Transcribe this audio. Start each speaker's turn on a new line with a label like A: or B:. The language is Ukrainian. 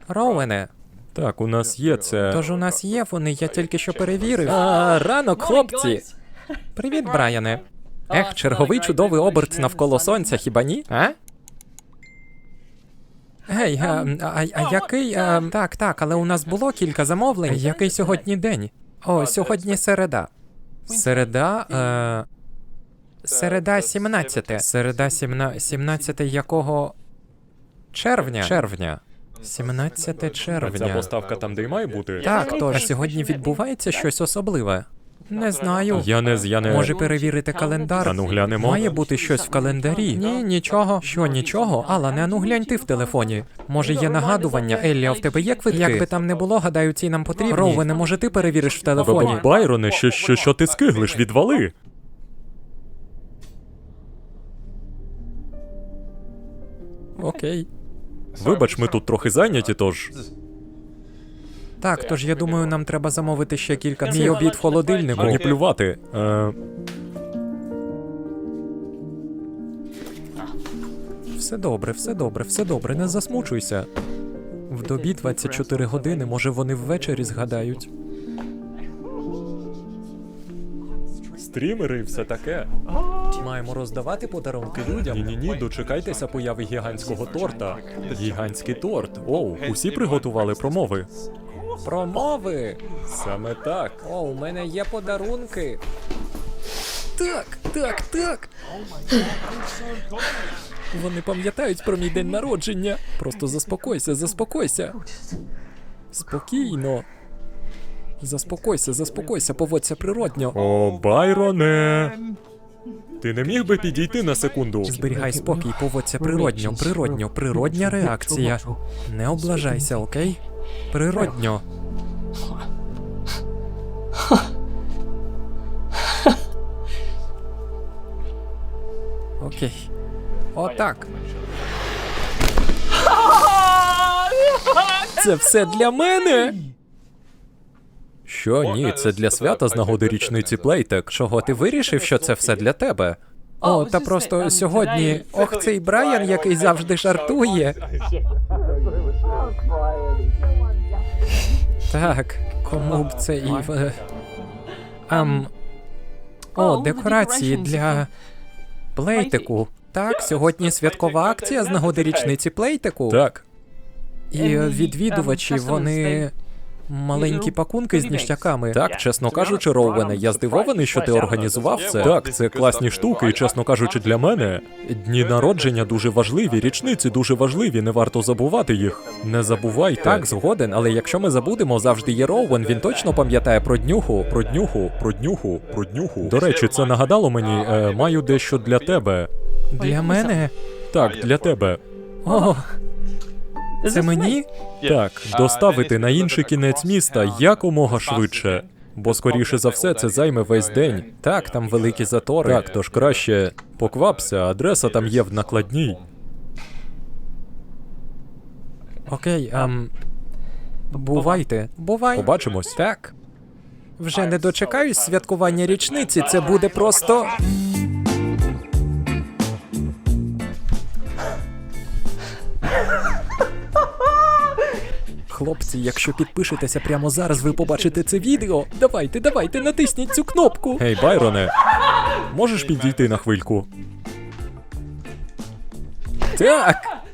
A: Роуене,
B: Так, у нас є це.
A: тож у нас є вони, я тільки що перевірив.
B: Ранок, хлопці!
A: Привіт, Брайане. Черговий чудовий оберт навколо сонця, хіба ні? А? Гей, який... Так, але у нас було кілька замовлень. Який сьогодні день? О, сьогодні середа. Середа 17. Середа 17 якого? Червня. 17 червня.
B: Ця поставка там, де й має бути?
A: Так, тож сьогодні відбувається щось особливе. Не знаю.
B: Я не...
A: Може перевірити календар?
B: Ану, глянемо.
A: Має бути щось в календарі. Ні, нічого. Що, нічого? Алане, ану глянь ти в телефоні. Може є нагадування? Еллі, а в тебе є квитки? Як би там не було, гадаю, ці нам потрібні. Роуене, може ти перевіриш в телефоні?
B: Байроне, що ти скиглиш? Відвали!
A: Окей.
B: Вибач, ми тут трохи зайняті, тож...
A: Так, тож я думаю, нам треба замовити ще кілька. Мій обід в холодильнику.
B: Мені плювати.
A: Все добре, не засмучуйся. В добі 24 години, може вони ввечері згадають.
B: Стрімери і все таке.
A: Маємо роздавати подарунки людям.
B: Ні, дочекайтеся появи гігантського торта. Гігантський торт. Оу, усі приготували промови.
A: Промови!
B: Саме так.
A: О, у мене є подарунки. Так. Вони пам'ятають про мій день народження. Просто заспокойся. Спокійно. Заспокойся, поводься природньо.
B: О, Байроне! Ти не міг би підійти на секунду?
A: Зберігай спокій, поводься природньо, реакція. Не облажайся, окей? Природньо. Окей. Отак. Це все для мене?
B: Що, ні, це для свята з нагоди річниці Плейтек.
A: Чого ти вирішив, що це все для тебе? О, та просто сьогодні... Ох, цей Брайан, який завжди жартує. Так, кому б це і... О, декорації для... Плейтеку. Так, сьогодні святкова акція з нагоди річниці Плейтеку.
B: Так.
A: І відвідувачі, вони... Маленькі пакунки з ніштяками.
B: Так, чесно кажучи, Роуене, я здивований, що ти організував це. Так, це класні штуки, і, чесно кажучи, для мене дні народження дуже важливі, річниці дуже важливі, не варто забувати їх. Не забувайте.
A: Так, згоден, але якщо ми забудемо, завжди є Роуен, він точно пам'ятає про днюху.
B: Про днюху. До речі, це нагадало мені, маю дещо для тебе.
A: Для мене?
B: Так, для тебе.
A: О, це мені?
B: Так, доставити на інший кінець міста якомога швидше. Бо, скоріше за все, це займе весь день.
A: Так, там великі затори.
B: Так, тож краще поквапся, адреса там є в накладній.
A: Окей, бувайте. Бувай.
B: Побачимось.
A: Так. Вже не дочекаюсь святкування річниці, це буде просто... Хлопці, якщо підпишетеся прямо зараз, ви побачите це відео. Давайте, натисніть цю кнопку.
B: Гей, Байроне, можеш підійти на хвильку?
A: Так.